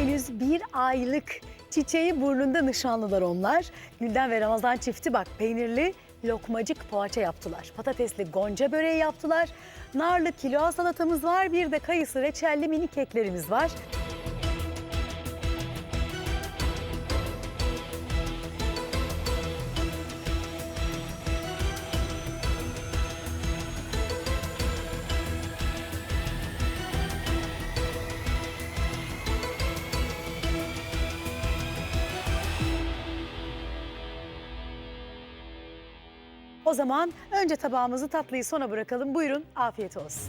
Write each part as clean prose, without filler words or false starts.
Henüz bir aylık çiçeği burnunda nişanlılar onlar. Gülden ve Ramazan çifti bak peynirli lokmacık poğaça yaptılar. Patatesli gonca böreği yaptılar. Narlı kinoa salatamız var. Bir de kayısı reçelli mini keklerimiz var. O zaman önce tabağımızı tatlıyı sona bırakalım. Buyurun, afiyet olsun.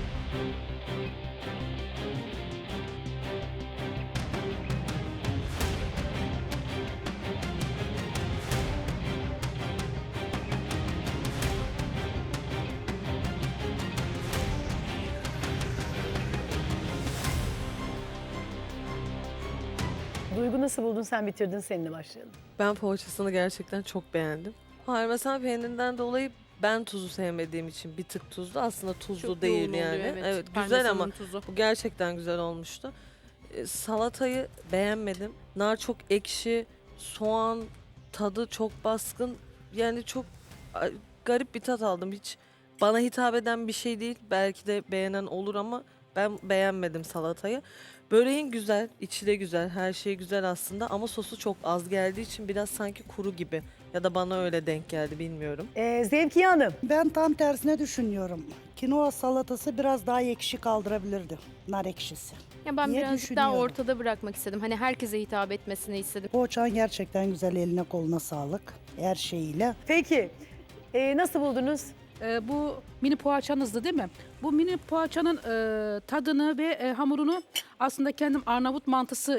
Duygu nasıl buldun? Sen bitirdin, seninle başlayalım. Ben poğaçasını gerçekten çok beğendim. Parmesan peynirinden dolayı ben tuzu sevmediğim için bir tık tuzlu. Aslında tuzlu Çok değil yoğun oluyor, yani. evet. Evet güzel Parmesanın ama tuzu. bu gerçekten güzel olmuştu. Salatayı beğenmedim. Nar çok ekşi, soğan tadı çok baskın. Yani çok garip bir tat aldım. Hiç bana hitap eden bir şey değil. Belki de beğenen olur ama ben beğenmedim salatayı. Böreğin güzel, içi de güzel, her şey güzel aslında ama sosu çok az geldiği için biraz sanki kuru gibi. Ya da bana öyle denk geldi bilmiyorum. Zevkiye Hanım. Ben tam tersine düşünüyorum. Kinoa salatası biraz daha ekşi kaldırabilirdi. Nar ekşisi. Ya ben diye birazcık daha düşünüyorum. ortada bırakmak istedim. Hani herkese hitap etmesini istedim. Poğaçan gerçekten güzel, eline koluna sağlık. Her şeyiyle. Peki, nasıl buldunuz? Bu mini poğaçanızdı değil mi? Bu mini poğaçanın tadını ve hamurunu aslında kendim Arnavut mantısı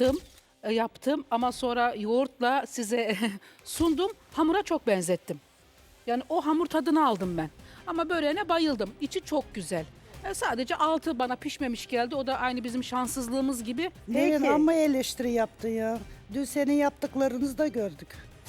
yaptım ama sonra yoğurtla size sundum. Hamura çok benzettim. Yani o hamur tadını aldım ben. Ama böreğine bayıldım. İçi çok güzel. Sadece altı bana pişmemiş geldi. O da aynı bizim şanssızlığımız gibi. Neyin Peki. amma eleştiri yaptın ya. Dün senin yaptıklarınızı da gördük.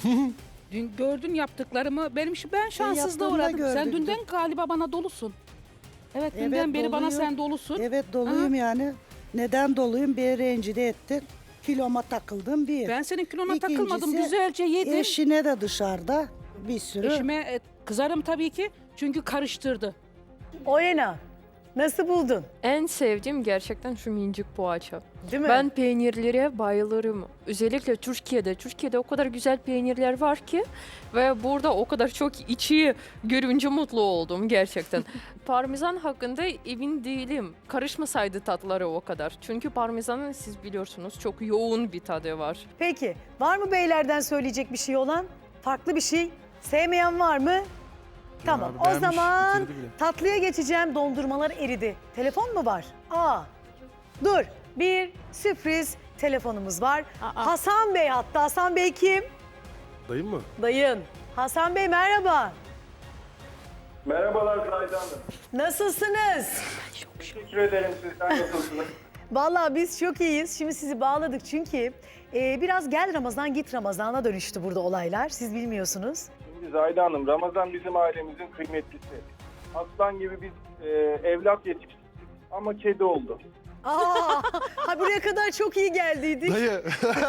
Dün gördün yaptıklarımı. Ben şanssızlığa yaptığını da uğradım. Sen gördük dünden dün. galiba bana dolusun. Evet, Evet, dünden beri bana doluyum. sen dolusun. Evet doluyum yani. Neden doluyum? Bir rencide ettin. Kiloma takıldım bir. Ben senin kilona İkincisi, takılmadım. Güzelce yedim. Eşine de dışarıda bir sürü. Eşime kızarım tabii ki. Çünkü karıştırdı. Olena, nasıl buldun? En sevdiğim gerçekten şu minicik poğaça. Değil mi? Ben peynirlere bayılırım. Özellikle Türkiye'de. Türkiye'de o kadar güzel peynirler var ki ve burada o kadar çok içi görünce mutlu oldum gerçekten. Parmesan hakkında emin değilim. Karışmasaydı tatları o kadar. Çünkü parmesanın siz biliyorsunuz çok yoğun bir tadı var. Peki, var mı beylerden söyleyecek bir şey olan? Farklı bir şey? Sevmeyen var mı? Tamam, abi o beğenmiş, zaman bitirdi bile. tatlıya geçeceğim. Dondurmalar eridi. Telefon mu var? Dur. Bir sürpriz telefonumuz var. Hasan Bey hatta. Hasan Bey kim? Dayım mı? Dayın. Hasan Bey merhaba. Merhabalar Zahide Hanım. Nasılsınız? Teşekkür ederim. Sizden nasılsınız? Vallahi biz çok iyiyiz. Şimdi sizi bağladık çünkü biraz gel Ramazan git Ramazan'a dönüştü burada olaylar. Siz bilmiyorsunuz. Şimdi Zahide Hanım, Ramazan bizim ailemizin kıymetlisi. Aslan gibi biz evlat yetiştirdik ama kedi oldu. Ha buraya kadar çok iyi geldiydik. Dayı.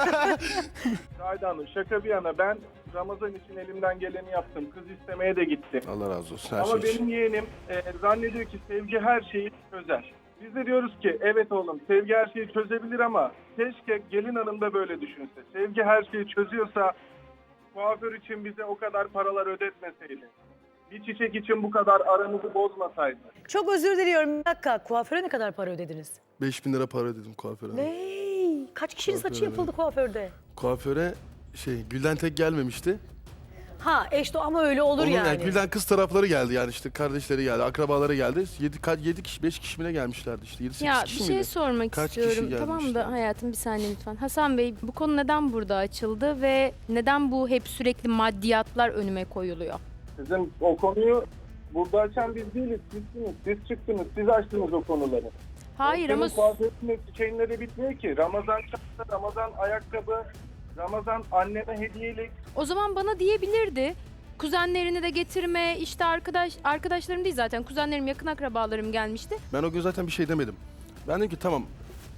Zahide Hanım, şaka bir yana ben Ramazan için elimden geleni yaptım. Kız istemeye de gittim. Allah razı olsun her Ama şey için. benim yeğenim zannediyor ki sevgi her şeyi çözer. Biz de diyoruz ki evet oğlum sevgi her şeyi çözebilir ama keşke gelin hanım da böyle düşünse. Sevgi her şeyi çözüyorsa kuaför için bize o kadar paralar ödetmeseydi. Bir çiçek için bu kadar aramızı bozmasaydı. Çok özür diliyorum. Bir dakika kuaföre ne kadar para ödediniz? 5.000 lira para ödedim kuaföre. Ney? Kaç kişinin saçı Kuaföre. yapıldı kuaförde? Kuaföre Gülden tek gelmemişti. Ha eşto ama öyle olur Onun, yani. Gülden kız tarafları geldi yani işte kardeşleri geldi, akrabaları geldi. 7 kişi, 5 kişi mi ne gelmişlerdi işte. 7-8 Ya kişi bir şey miydi? sormak Kaç kişi istiyorum. Tamam gelmişti? da hayatım bir saniye lütfen. Hasan Bey bu konu neden burada açıldı ve neden bu hep sürekli maddiyatlar önüme koyuluyor? Sizin o konuyu burada açan biz değiliz. Sizsiniz. Siz çıktınız. Siz açtınız o konuları. Hayır Senin ama kuaförünün çiçeğinleri bitmiyor ki. Ramazan çanta, Ramazan ayakkabı, Ramazan anneme hediyelik. o zaman bana diyebilirdi. Kuzenlerini de getirme, işte arkadaşlarım değil zaten kuzenlerim, yakın akrabalarım gelmişti. Ben o gün zaten bir şey demedim. Ben dedim ki tamam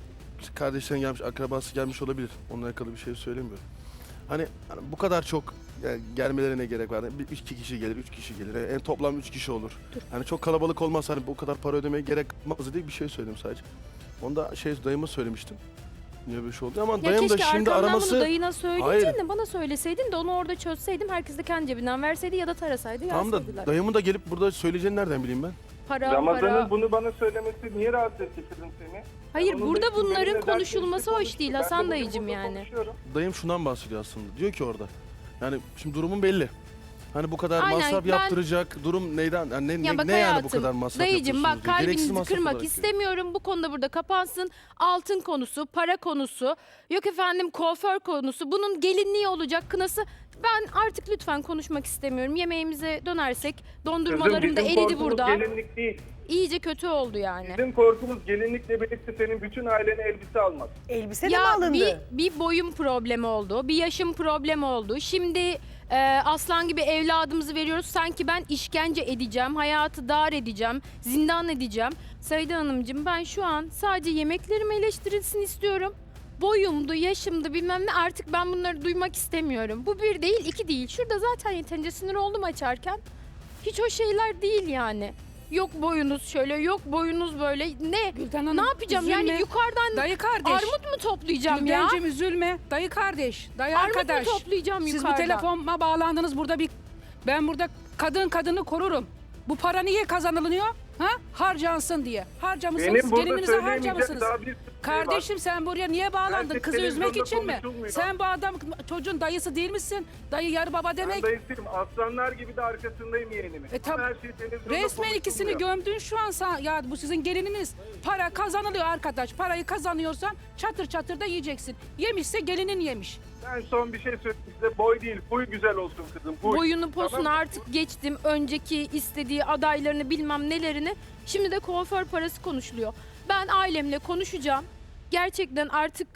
kardeşlerin gelmiş, akrabası gelmiş olabilir. Onunla alakalı bir şey söylemiyorum. Hani bu kadar çok yani gelmelerine gerek var. Bir, 2 kişi gelir, 3 kişi gelir. En toplam 3 kişi olur. Hani çok kalabalık olmaz. Hani bu kadar para ödemeye gerek olmaz diye bir şey söyledim sadece. Onu da dayıma söylemiştim. Niye böyle şey oldu? Ama Ya dayım da keşke şimdi arkamdan araması... bunu dayına söyleyeceğin Hayır. de bana söyleseydin de onu orada çözseydim. Herkes de kendi cebinden verseydi ya da tarasaydı Tamam yazsaydılar. da dayımın da gelip burada söyleyeceğini nereden bileyim ben? Para. Ramazan'ın bunu bana söylemesi niye rahatsız etti kızım seni? Hayır, Onun burada da benimle bunların dertleşti, konuşulması hoş konuştu. değil Ben de Hasan bugün dayıcım burada yani. konuşuyorum. Dayım şundan bahsediyor aslında. Diyor ki orada. Yani şimdi durumun belli. Hani bu kadar Aynen, masraf ben- yaptıracak durum neyden? Yani Ya bak ne yani bu hayatım, kadar masraf dayıcım bak yapıyorsunuz diyor. Gereksiz kalbinizi masraf kırmak olarak diyor. istemiyorum. Bu konuda burada kapansın. Altın konusu, para konusu, yok efendim kuaför konusu. Bunun gelinliği olacak, kınası. Ben artık lütfen konuşmak istemiyorum. Yemeğimize dönersek dondurmalarım da bizim eridi korkumuz burada. gelinlik değil. İyice kötü oldu yani. Bizim korkumuz gelinlikle birlikte senin bütün ailene elbise almak. Elbise de mi Ya alındı? bir boyum problemi oldu, bir yaşım problemi oldu. Şimdi aslan gibi evladımızı veriyoruz. Sanki ben işkence edeceğim, hayatı dar edeceğim, zindan edeceğim. Sayda Hanımcığım ben şu an sadece yemeklerim eleştirilsin istiyorum. Boyumdu, yaşımdı bilmem ne artık ben bunları duymak istemiyorum. Bu bir değil, iki değil. Şurada zaten yeterince sinir oldum açarken. Hiç o şeyler değil yani. Yok boyunuz şöyle, yok boyunuz böyle. Ne? Gülden Hanım, Ne yapacağım üzülme. yani yukarıdan Dayı kardeş. armut mu toplayacağım ya? Güldencim üzülme. Dayı kardeş, dayı Armut arkadaş. mu toplayacağım Siz yukarıdan? bu telefonuma bağlandınız burada ben burada kadını korurum. Bu para niye kazanılıyor? Ha? Harcansın diye. Harcamışsınız, Benim burada gelininize söyleyemeyecek harcamışsınız. daha bir sürü şey var. Kardeşim sen buraya niye bağlandın? Gerçek Kızı üzmek televizyonda için mi? konuşulmuyor. Sen bu adam çocuğun dayısı değil misin? Dayı yarı baba Ben demek. dayısıyım. Aslanlar gibi de arkasındayım yeğenimin. E, Ama tab- her şey televizyonda Resmen ikisini konuşulmuyor. gömdün şu an ya bu sizin gelininiz. Para kazanılıyor arkadaş. Parayı kazanıyorsan çatır çatır da yiyeceksin. Yemişse gelinin yemiş. Ben son bir şey söyleyeyim size. Boy değil, huy güzel olsun kızım. Huy. Boyunu posunu Tamam mı? artık geçtim. Önceki istediği adaylarını bilmem nelerini. Şimdi de kuaför parası konuşuluyor. Ben ailemle konuşacağım. Gerçekten artık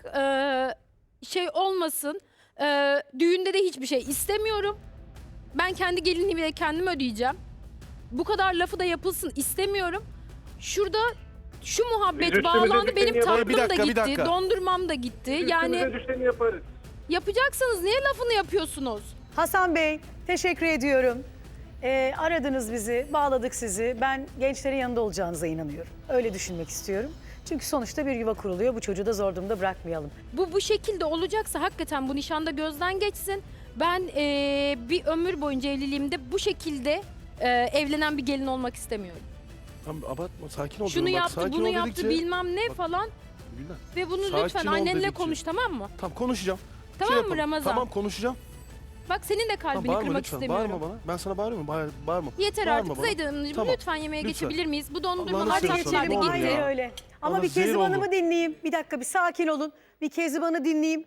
şey olmasın. Düğünde de hiçbir şey istemiyorum. Ben kendi gelinliğimi de kendim ödeyeceğim. Bu kadar lafı da yapılsın istemiyorum. Şurada şu muhabbet Biz üstümüze bağlandı. düşeni Benim yaparız. tatlım Bir dakika, da bir gitti. dakika. Dondurmam da gitti. Yani Üstümüze düşeni yaparız. yapacaksınız. Niye lafını yapıyorsunuz? Hasan Bey, teşekkür ediyorum. Aradınız bizi, bağladık sizi. Ben gençlerin yanında olacağınıza inanıyorum. Öyle düşünmek istiyorum. Çünkü sonuçta bir yuva kuruluyor. Bu çocuğu da zor durumda bırakmayalım. Bu şekilde olacaksa hakikaten bu nişanda gözden geçsin. Ben bir ömür boyunca evliliğimde bu şekilde evlenen bir gelin olmak istemiyorum. Tamam abartma, sakin ol. Şunu Bak, yaptı, sakin bunu ol yaptı dedikçe- bilmem ne Bak, falan. Gülden, Ve bunu sakin lütfen ol annenle dedikçe. konuş tamam mı? Tamam konuşacağım. Tamam mı yapalım. Ramazan? Tamam konuşacağım. Bak senin de Tamam, kalbini bağırma kırmak lütfen. istemiyorum. Bağırma bana. Ben sana bağırıyorum. Bağırma. Yeter Bağırma artık bana. Zeydan Hanımcığım Tamam. lütfen yemeğe Lütfen. geçebilir miyiz? Bu Allah'ını dondurmalar seversen tatlar da ne olur gitti. Aynen ya. öyle. Ama Bana bir zehir Kezban oldu. Hanım'ı dinleyeyim. Bir dakika bir sakin olun. Bir Kezban'ı dinleyeyim.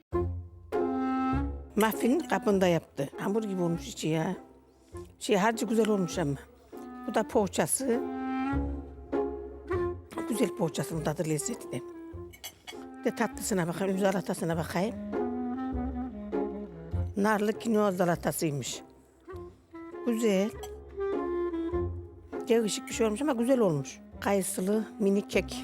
Muffin kapında yaptı. Hamur gibi olmuş içi ya. Harcı güzel olmuş ama. Bu da poğaçası. Güzel poğaçasının tadı lezzetli. De tatlısına bakayım, üzüm salatasına bakayım. Narlı kinoa salatasıymış. Güzel. Değişik bir şey olmuş ama güzel olmuş. Kayısılı mini kek.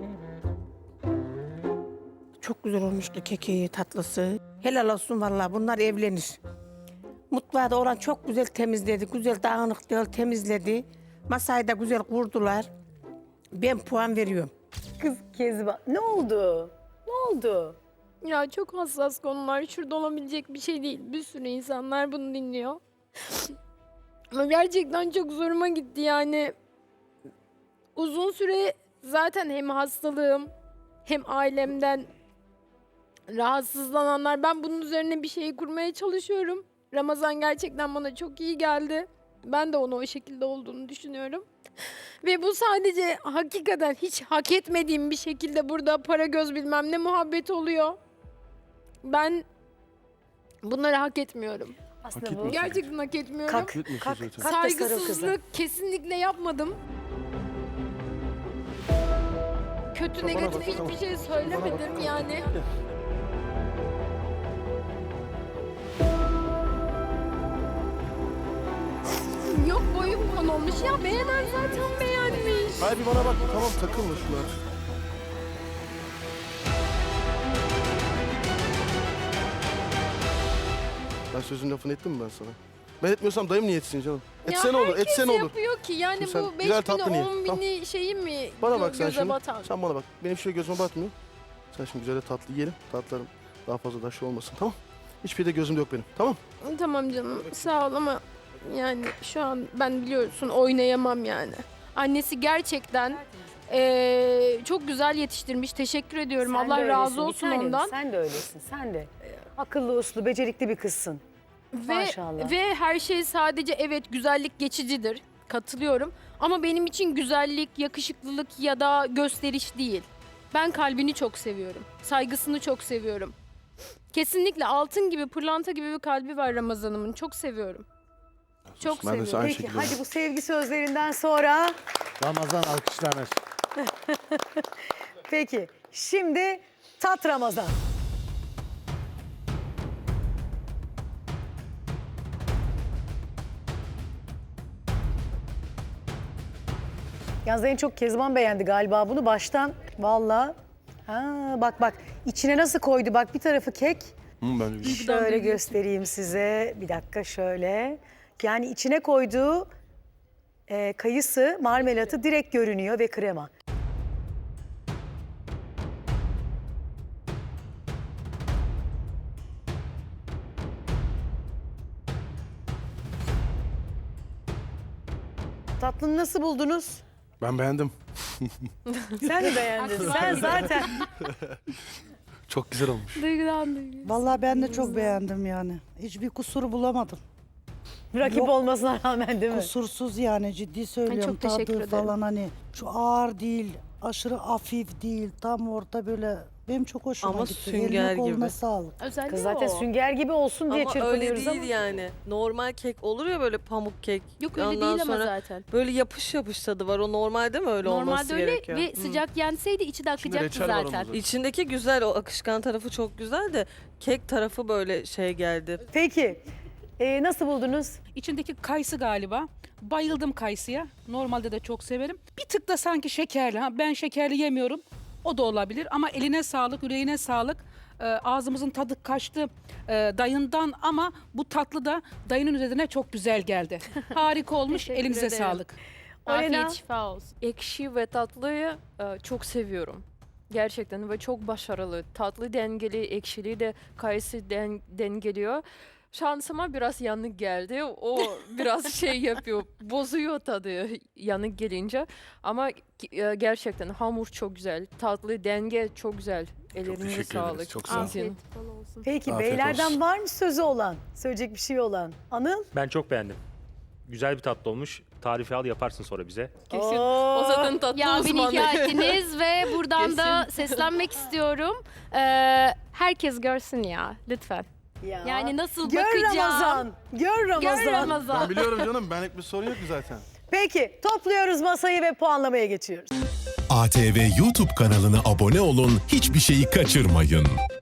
Çok güzel olmuştu keki, tatlısı. Helal olsun vallahi bunlar evlenir. Mutfağı da olan çok güzel temizledi. Güzel dağınık değil temizledi. Masayı da güzel kurdular. Ben puan veriyorum. Kız Kezban. Ne oldu? Ne oldu? Ya çok hassas konular. Şurada olabilecek bir şey değil. Bir sürü insanlar bunu dinliyor. Ama gerçekten çok zoruma gitti yani. Uzun süre zaten hem hastalığım hem ailemden rahatsızlananlar. Ben bunun üzerine bir şey kurmaya çalışıyorum. Ramazan gerçekten bana çok iyi geldi. Ben de onu o şekilde olduğunu düşünüyorum. Ve bu sadece hakikaten hiç hak etmediğim bir şekilde burada para göz bilmem ne muhabbet oluyor. Ben bunları hak etmiyorum. Aslında Hak bu etmiyorsun. Gerçekten hak etmiyorum. Kalk. Hak etmiyorsun Kalk, zaten. kalk da sarıl kızı. Saygısızlık kesinlikle yapmadım. Kötü Bana bak, negatif tamam. hiçbir şey söylemedim yani. Yok boyum konulmuş ya beğenen zaten beğenmiş. Hayır bir bana bak. Tamam takılma şuna. Ben sözün lafını ettim mi ben sana? Ben etmiyorsam dayım niye etsin canım? Ya Etse ne olur, herkes etse ne olur? yapıyor ki yani Şimdi sen bu 5 güzel bini tatlı niye? 10 Tamam. bini şeyi mi Bana bak sen göze şimdi. batan? Sen bana bak. Benim şöyle gözüme batmıyor. Sen şimdi güzel de tatlı yiyelim. Tatlılarım daha fazla da şey olmasın, tamam? Hiçbir de gözümde yok benim, tamam? Tamam canım sağ ol ama yani şu an ben biliyorsun oynayamam yani. Annesi gerçekten çok güzel yetiştirmiş. Teşekkür ediyorum. Sen de Allah öylesin, razı bir olsun tanem, ondan. Sen de öylesin, sen de. Akıllı, uslu, becerikli bir kızsın. Maşallah. Ve her şey sadece evet güzellik geçicidir. Katılıyorum. Ama benim için güzellik, yakışıklılık ya da gösteriş değil. Ben kalbini çok seviyorum. Saygısını çok seviyorum. Kesinlikle altın gibi, pırlanta gibi bir kalbi var Ramazan'ımın. Çok seviyorum. Çok Ben de seviyorum. aynı Peki şekilde. hadi bu sevgi sözlerinden sonra Ramazan alkışlanır. peki şimdi tat Ramazan. Yalnız en çok Kezban beğendi galiba bunu baştan. Vallahi. Ha, bak içine nasıl koydu bak bir tarafı kek. Ben de güzel. Şöyle göstereyim size. Bir dakika şöyle. Yani içine koyduğu kayısı, marmelatı direkt görünüyor ve krema. Tatlını nasıl buldunuz? Ben beğendim. Sen de beğendin. Sen zaten. Çok güzel olmuş. Vallahi ben de çok beğendim yani. Hiçbir kusuru bulamadım. Rakip Yok. olmasına rağmen değil mi? Kusursuz yani ciddi söylüyorum. çok teşekkür Tadı ederim. falan hani şu ağır değil, aşırı hafif değil. Tam orta böyle benim çok hoşuma Ama gitti. sünger Eline koluna gibi. sağlık. Özellikle Kız zaten o. sünger gibi olsun diye Ama öyle çırpınıyoruz değil ama. yani. Normal kek olur ya böyle pamuk kek. Yok öyle Ondan değil ama sonra zaten. böyle yapış yapış tadı var. O normalde mi öyle olması Normalde öyle gerekiyor? ve sıcak yenseydi içi de İçinde akacaktı reçel var zaten. onun İçindeki güzel, o akışkan tarafı çok güzel de kek tarafı böyle şey geldi. Peki nasıl buldunuz? İçindeki kayısı galiba. Bayıldım kayısıya. Normalde de çok severim. Bir tık da sanki şekerli. Ha, ben şekerli yemiyorum. O da olabilir ama eline sağlık, yüreğine sağlık. Ağzımızın tadı kaçtı dayından ama bu tatlı da dayının üzerine çok güzel geldi. Harika olmuş. Teşekkür Elinize ederim. sağlık. Afiyet Olena? şifa olsun. Ekşi ve tatlıyı çok seviyorum. Gerçekten ve çok başarılı. Tatlı dengeli, ekşili de kayısı dengeliyor. Şansıma biraz yanık geldi. O biraz şey yapıyor, bozuyor tadı yanık gelince. Ama gerçekten hamur çok güzel. Tatlı denge çok güzel. Ellerinize teşekkür ederiz, sağlık. çok sağ olun. Afiyet bol olsun. Peki Afiyet beylerden olsun. var mı sözü olan? Söyleyecek bir şey olan? Anıl? Ben çok beğendim. Güzel bir tatlı olmuş. Tarifi al yaparsın sonra bize. Kesin. Oo. O zaten tatlı Ya beni uzmanı. ikna ettiniz ve buradan da seslenmek istiyorum. Herkes görsün ya lütfen. Ya. Yani nasıl Gör bakacağım? Ramazan. Gör Ramazan. Gör Ramazan. Ben biliyorum canım. Benlik bir sorun yok ki zaten. Peki topluyoruz masayı ve puanlamaya geçiyoruz. ATV YouTube kanalına abone olun, hiçbir şeyi kaçırmayın.